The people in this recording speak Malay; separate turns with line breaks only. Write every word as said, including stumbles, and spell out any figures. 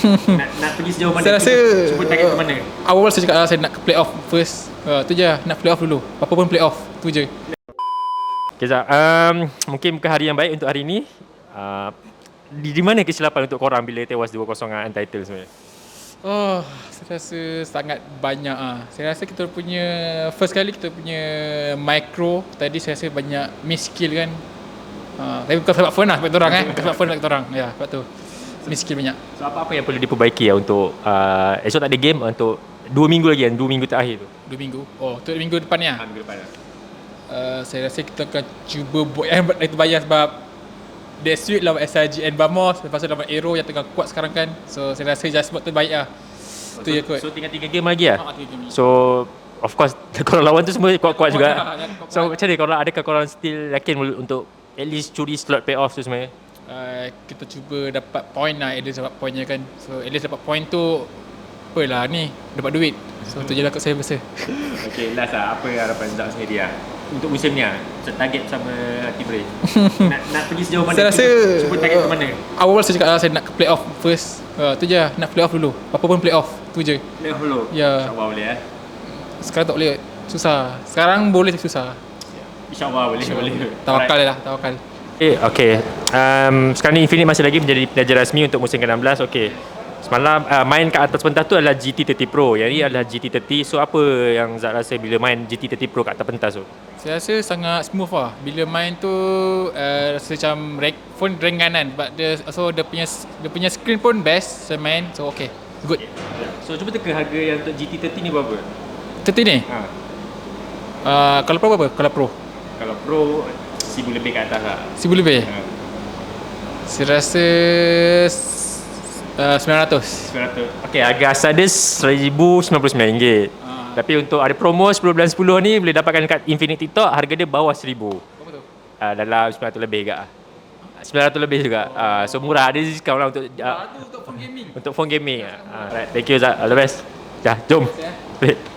nak, nak pergi sejauh mana?
Saya rasa
cuba, cuba target ke mana?
Awal saya cakap lah, saya nak ke play off first. Uh, tu je, nak play off dulu. Apa pun play off, tu je.
Okay, Zak. Um, mungkin bukan hari yang baik untuk hari ni. Uh, di, di mana kesilapan untuk korang bila tewas dua kosong dengan Untitled sebenarnya?
Oh, saya rasa sangat banyak ah. Saya rasa kita punya first kali kita punya micro tadi saya rasa banyak miss skill kan. Uh, tapi bukan sebab phone lah, sebab orang kan. Bukan sebab phone sebab orang. Ya, sebab tu. Miss skill banyak.
So apa-apa yang perlu diperbaiki ya untuk uh, esok tak ada game untuk dua minggu lagi kan, dua minggu terakhir tu.
Dua minggu. Oh, tu minggu depan ni ah.
Ha, minggu depan lah.
Uh, saya rasa kita akan cuba buat yang itu bayar sebab Dead Street lawan S I G N Vamos, lepas tu lawan Aero yang tengah kuat sekarang kan. So saya rasa just buat tu baik lah.
Oh,
Tu
so,
je kot.
So tinggal tiga game lagi lah?
Ha, tiga game.
So of course korang lawan tu semua kuat-kuat juga.
Kuat-kuat.
So macam mana korang, adakah korang still yakin untuk at least curi slot playoff tu sebenarnya?
Uh, kita cuba dapat point lah, at least dapat pointnya kan. So at least dapat point tu apalah ni, dapat duit. So tu je lah kat saya rasa.
Okay, last lah, apa harapan Zak sendiri lah untuk musim ni lah, target sama T-Brain? nak, nak pergi sejauh mana?
Saya rasa
cuba, cuba target ke mana?
Awal saya cakap lah, saya nak ke play off first. Uh, tu je lah, nak play off dulu. Apa pun play off, tu je.
Playoff dulu?
Ya.
InsyaAllah boleh eh?
Sekarang tak boleh, susah. Sekarang boleh tapi susah.
InsyaAllah boleh, boleh.
Tawakal lah, tawakal.
Okay, okay. Um, sekarang ni Infinite masih lagi menjadi pelajar rasmi untuk musim ke enam belas. Okay. Semalam uh, main kat atas pentas tu adalah G T tiga puluh Pro. Yang ni adalah G T tiga puluh. So apa yang Zak rasa bila main G T tiga puluh Pro kat atas pentas tu?
Saya rasa sangat smooth lah. Bila main tu uh, rasa macam rank, phone rank kanan. But dia, so dia punya, dia punya screen pun best saya main. So okay, good.
So cuba teka harga yang untuk G T tiga puluh ni berapa?
tiga puluh ni?
Ha.
Uh, kalau Pro berapa? Kalau Pro?
Kalau Pro seribu lebih kat atas lah.
Seribu lebih?
Ha.
Saya rasa uh, sembilan ratus.
sembilan ratus. Okay, harga asal dia seribu sembilan puluh sembilan ringgit.
Ha.
Tapi untuk ada promo sepuluh bulan sepuluh ni boleh dapatkan dekat Infinite TikTok, harga dia bawah seribu.
Berapa tu?
Uh, dalam sembilan ratus lebih juga. sembilan ratus lebih juga. Uh, so murah, ada diskaun lah untuk uh,
Ah, tu untuk phone gaming.
untuk phone gaming. Uh, right. Thank you Zak. All the best. Dah, jom.
Ya.
Balik.